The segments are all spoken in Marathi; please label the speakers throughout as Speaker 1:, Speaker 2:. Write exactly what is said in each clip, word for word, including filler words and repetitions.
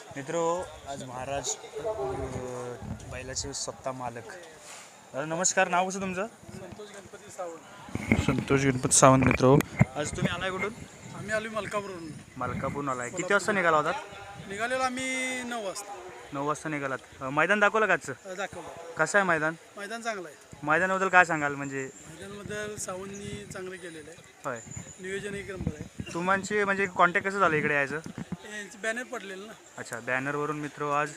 Speaker 1: मित्रो आज महाराज बैलाचे स्वतः मालक. दादा नमस्कार. नाव कसं तुमचं?
Speaker 2: संतोष गणपती सावंत.
Speaker 1: संतोष गणपती सावंत. मित्रो आज तुम्ही आलाय कुठून?
Speaker 2: आम्ही आलो मलकापूरवरून.
Speaker 1: मलकापूरून आलाय. किती वाजता निघाला होता?
Speaker 2: निघालेलो आम्ही नऊ वाजता.
Speaker 1: नऊ वाजता निघालात. मैदान दाखवलं का आजचं?
Speaker 2: दाखवलं.
Speaker 1: कसं आहे मैदान?
Speaker 2: मैदान चांगलं आहे.
Speaker 1: मैदानाबद्दल काय सांगाल? म्हणजे
Speaker 2: मैदानाबद्दल सावंतनी चांगलं केलेलं आहे.
Speaker 1: होय,
Speaker 2: नियोजन एक नंबर आहे.
Speaker 1: तुमची म्हणजे कॉन्टॅक्ट कसं झालं इकडे यायचं?
Speaker 2: यांचं बॅनर पडलेलं ना.
Speaker 1: अच्छा, बॅनरवरून. मित्र आज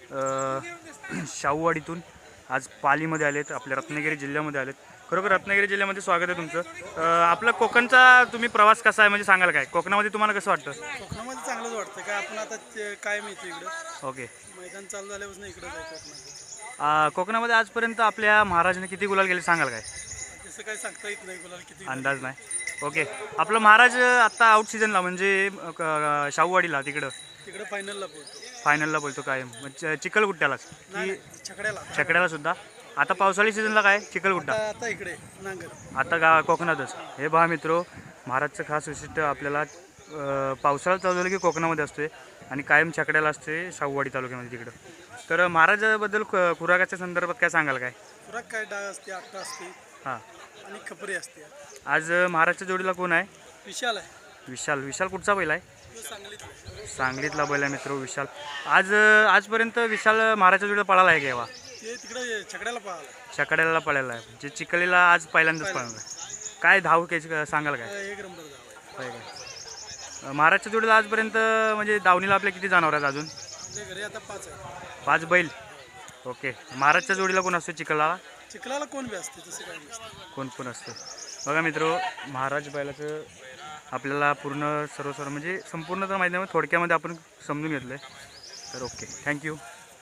Speaker 1: अ, शाहूवाडीतून आज पालीमध्ये आलेत, आपल्या रत्नागिरी जिल्ह्यामध्ये आलेत. खरोखर रत्नागिरी जिल्ह्यामध्ये स्वागत आहे तुमचं. अ, आपला कोकणचा तुम्ही प्रवास कसा आहे म्हणजे सांगाल काय? कोकणामध्ये तुम्हाला कसं वाटतं?
Speaker 2: कोकणामध्ये चांगलंच वाटतं काय आपण आता ते काय माहिती इकडं
Speaker 1: ओके.
Speaker 2: मैदान चालू झाल्यापासून इकडं जाय कोकणात.
Speaker 1: अ, कोकणामध्ये आजपर्यंत आपल्या महाराजांनी किती गुलाल गेले सांगाल काय?
Speaker 2: तसं काही सांगता येत नाही गुलाल किती.
Speaker 1: अंदाज नाही. ओके. आपलं महाराज आत्ता आउट सीझनला म्हणजे अ, क- शाहूवाडीला तिकडं
Speaker 2: तिकडं फायनलला पोहोचतो.
Speaker 1: फायनलला बोलतो काय म्हणजे चिखलगुट्ट्यालाच
Speaker 2: नाही
Speaker 1: की
Speaker 2: छकड्याला.
Speaker 1: छकड्याला सुद्धा? आता पावसाळी सीझनला काय चिखलगुट्टा?
Speaker 2: आता आता इकडे नांगर.
Speaker 1: आता गा कोकणातच. हे पहा मित्रो, महाराजचं खास वैशिष्ट्य आपल्याला अ, पावसाळा चालू झालं की कोकणामध्ये असते आणि कायम छकड्याला असते शाहूवाडी तालुक्यामध्ये तिकडं. तर महाराजाबद्दल ख- खुराकाच्या संदर्भात काय सांगाल काय?
Speaker 2: खुराक काय डाळ असते, आट्टा असते
Speaker 1: हां.
Speaker 2: आणि खपरी असते.
Speaker 1: आज महाराजच्या जोडीला कोण आहे?
Speaker 2: विशाल आहे.
Speaker 1: विशाल. विशाल कुठचा बैल आहे?
Speaker 2: तो सांगलीत.
Speaker 1: सांगलीतला बैल आहे मित्र विशाल. आज आजपर्यंत विशाल महाराजच्या जोडीला पळाला आहे केव्हा?
Speaker 2: ते तिकडे छकड्याला पाहिला.
Speaker 1: छकड्याला पळायला आहे म्हणजे चिखलीला आज पहिल्यांदाच पळाला आहे. काय धाव काय सांगाल काय?
Speaker 2: एक नंबर जाव आहे.
Speaker 1: होय काय? महाराजच्या जोडीला आजपर्यंत म्हणजे दावणीला आपल्या किती जनावर आहेत अजून?
Speaker 2: आपल्या घरी आता पाच आहे.
Speaker 1: पाच बैल. ओके. महाराजच्या जोडीला कोण असतो चिखलाला?
Speaker 2: चिखलाला कोण बी असते तसं काही नसतं.
Speaker 1: कोण कोण असतं? बघा मित्र, महाराज बैलाचं आपल्याला पूर्ण सर्व सर्व म्हणजे संपूर्ण तर माहिती नाही, थोडक्यामध्ये आपण समजून घेतलं आहे. तर ओके, थँक्यू.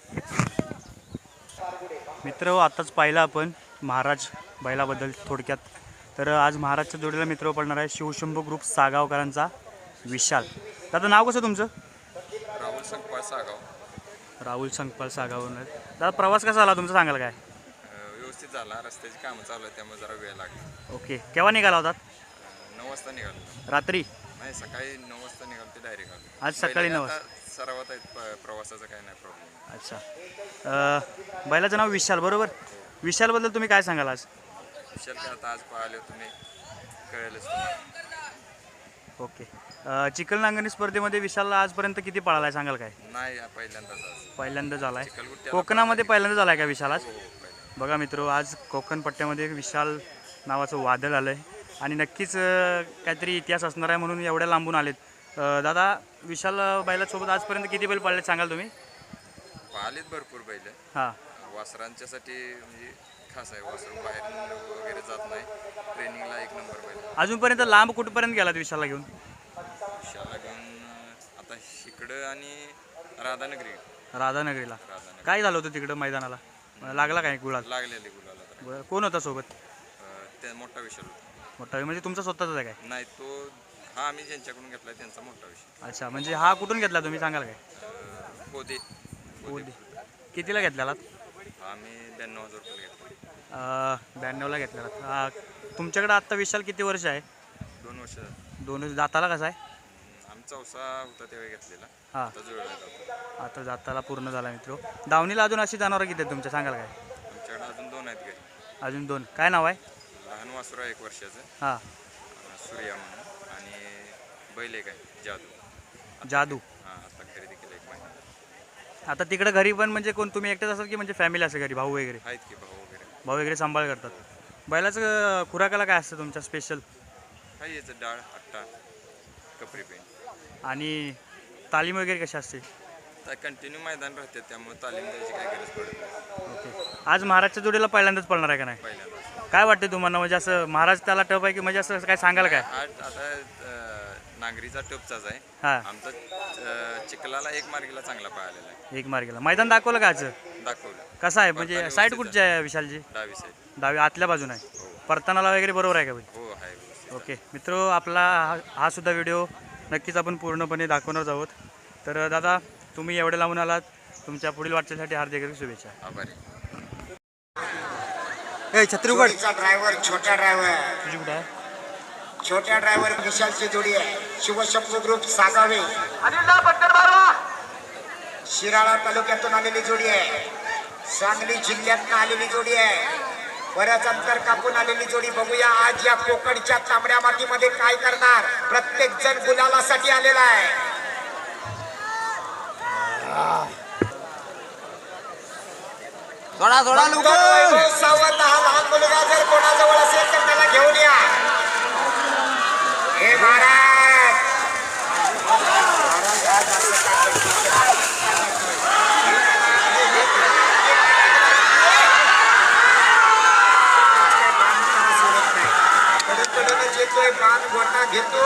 Speaker 1: मित्र आत्ताच पाहिलं आपण महाराज बैलाबद्दल थोडक्यात. तर आज महाराजच्या जोडीला मित्र पडणार आहे शिवशंभू ग्रुप सागावकरांचा विशाल. दादा नाव कसं तुमचं?
Speaker 3: राहुल संकपाळ सागाव.
Speaker 1: राहुल संकपाळ सागावरून. दादा प्रवास कसा आला तुमचा सांगाल काय?
Speaker 3: अ, व्यवस्थित झाला. रस्त्याची कामं चालू आहेत त्यामुळे जरा वेळ लागला.
Speaker 1: ओके. केव्हा निघाला होतात?
Speaker 3: अ, नऊ वाजता निघालो.
Speaker 1: रात्री?
Speaker 3: नाही, सकाळी नऊ वाजता निघालो ते डायरेक्ट आलो.
Speaker 1: आज सकाळी नऊ
Speaker 3: आता सरावात आहेत प- प्रवासाचा काही नाही प्रॉब्लेम.
Speaker 1: अच्छा. अ, बैलाचं नाव विशाल बरोबर? विशालबद्दल तुम्ही काय सांगाल आज?
Speaker 3: विशाल काय आता आज पाहिले तुम्ही कळेलच तुम्हाला.
Speaker 1: ओके. अ, चिखल नांगरणी स्पर्धेमध्ये विशालला आजपर्यंत किती पळाला आहे सांगाल काय?
Speaker 3: नाही, हा पहिल्यांदाच आज.
Speaker 1: पहिल्यांदा झाला आहे.
Speaker 3: चिखलगुट्ट्याला
Speaker 1: कोकणामध्ये पहिल्यांदा झाला आहे का विशाल आज?
Speaker 3: हो, हो, पहिल्यांदा.
Speaker 1: बघा मित्र, आज कोकण पट्ट्यामध्ये विशाल नावाचं वादळ आलं आहे आणि नक्कीच अ, काहीतरी इतिहास असणार आहे म्हणून एवढ्या लांबून आलेत. अ, दादा विशाल बैलासोबत आजपर्यंत किती बैल पळले सांगाल तुम्ही?
Speaker 3: पाहिलेत भरपूर बैल.
Speaker 1: हां.
Speaker 3: वासरांच्यासाठी म्हणजे खास आहे. वासर बाहेर वगैरे जात नाही. ट्रेनिंगला एक नंबर बैल.
Speaker 1: अजूनपर्यंत लांब कुठपर्यंत गेलात विशालला घेऊन?
Speaker 3: विशाला घेऊन अ, आता इकडं आणि राधानगरी.
Speaker 1: राधानगरीला.
Speaker 3: राधानगरी
Speaker 1: काय झालं होतं तिकडं मैदानाला? लागला काय गुळात?
Speaker 3: लागलेले गुलाला तर.
Speaker 1: बरं. कोण होता सोबत?
Speaker 3: अ, ते मोठा विषय होता.
Speaker 1: मोठा म्हणजे तुमचा स्वतःचा आहे काय?
Speaker 3: नाही, तो हा आम्ही ज्यांच्याकडून घेतला त्यांचा मोठा विषय.
Speaker 1: अच्छा, म्हणजे हा कुठून घेतला तुम्ही सांगाल काय?
Speaker 3: अ, होते
Speaker 1: ओदी. कितीला घेतलेला?
Speaker 3: हा आम्ही ब्याण्णव हजार रुपये घेतला.
Speaker 1: ब्याण्णवला घेतलेला. हा, तुमच्याकडे आत्ता विशाल किती वर्ष आहे?
Speaker 3: दोन वर्ष झाली.
Speaker 1: दोन दाताला कसा आहे?
Speaker 3: आम्ही चौसा होता त्यावेळी घेतलेला.
Speaker 1: हां.
Speaker 3: आता जुळला जातो.
Speaker 1: आता दाताला पूर्ण झाला मित्र. दावणीला अजून अशी जनावरं किती आहेत तुमच्या सांगाल काय?
Speaker 3: आमच्याकडे अजून दोन आहेत घरी.
Speaker 1: अजून दोन. काय नाव आहे?
Speaker 3: लहान वासरू आहे एक वर्षाचं,
Speaker 1: हां.
Speaker 3: अ, सूर्या म्हणून. आणि बैल एक आहे जादू.
Speaker 1: जादू.
Speaker 3: हां, आता खरेदी केलं एक महिना.
Speaker 1: आता तिकडे घरी पण म्हणजे कोण तुम्ही एकटेच असाल की म्हणजे फॅमिली असेल घरी, भाऊ वगैरे?
Speaker 3: आहेत की भाऊ वगैरे.
Speaker 1: भाऊ वगैरे सांभाळ करतात. बैलाचं खुराकाला काय असतं तुमच्या स्पेशल?
Speaker 3: काही याचं डाळ, आट्टा, कपरी पेंट.
Speaker 1: आणि तालीम वगैरे कशी असते?
Speaker 3: तर कंटिन्यू मैदान राहते त्यामुळे तालीम द्यायची काही गरज पडत नाही.
Speaker 1: ओके. आज महाराजच्या जोडीला पहिल्यांदाच पळणार आहे का नाही?
Speaker 3: पहिल्यांदा
Speaker 1: काय वाटते तुम्हाला म्हणजे असं महाराज त्याला टप आहे की म्हणजे असं काय सांगाल काय?
Speaker 3: आठ आता अ, नांगरीचा टपचाच आहे.
Speaker 1: हां.
Speaker 3: आमचा अ, चिखलाला एक मार्गीला चांगला पाहिलेला आहे.
Speaker 1: एक मार्गेला मैदान दाखवलं का आज?
Speaker 3: दाखवलं.
Speaker 1: कसं आहे म्हणजे
Speaker 3: परताना
Speaker 1: साईड
Speaker 3: व्यवस्थित
Speaker 1: कुठची आहे विशालजी?
Speaker 3: डावी साईड.
Speaker 1: डावी आतल्या बाजून आहे.
Speaker 3: हो
Speaker 1: परतानाला वगैरे बरोबर आहे का भाई?
Speaker 3: हो आहे व्यवस्थित.
Speaker 1: ओके मित्र, आपला हा हा सुद्धा व्हिडिओ नक्कीच आपण पूर्णपणे दाखवणार आहोत. तर दादा तुम्ही एवढे लावून आलात, तुमच्या पुढील वाटचालीसाठी हार्दिक शुभेच्छा.
Speaker 3: आभारी.
Speaker 1: ए छत्री उघड.
Speaker 4: ड्रायव्हर छोटा ड्रायव्हर
Speaker 1: तुझी कुठं आहे?
Speaker 4: छोट्या ड्रायव्हर विशालची जोडी आहे. शिवशंभू ग्रुप सागावे. शिराळा तालुक्यातून आलेली जोडी आहे, सांगली जिल्ह्यातून आलेली जोडी आहे, बऱ्याच अंतर कापून आलेली जोडी. बघूया आज या कोकणच्या तांबड्या मातीमध्ये काय करणार. प्रत्येक जण गुलालासाठी आलेला आहे.
Speaker 5: थोडा थोडा
Speaker 4: नंतर वैभव सावंत हा लहान मुलगा जर कोणाजवळ असेल तर त्याला घेऊन या. हे महाराज महाराज आज असं काय करतील? कडकडूनच येतोय, बाण गोटा घेतो.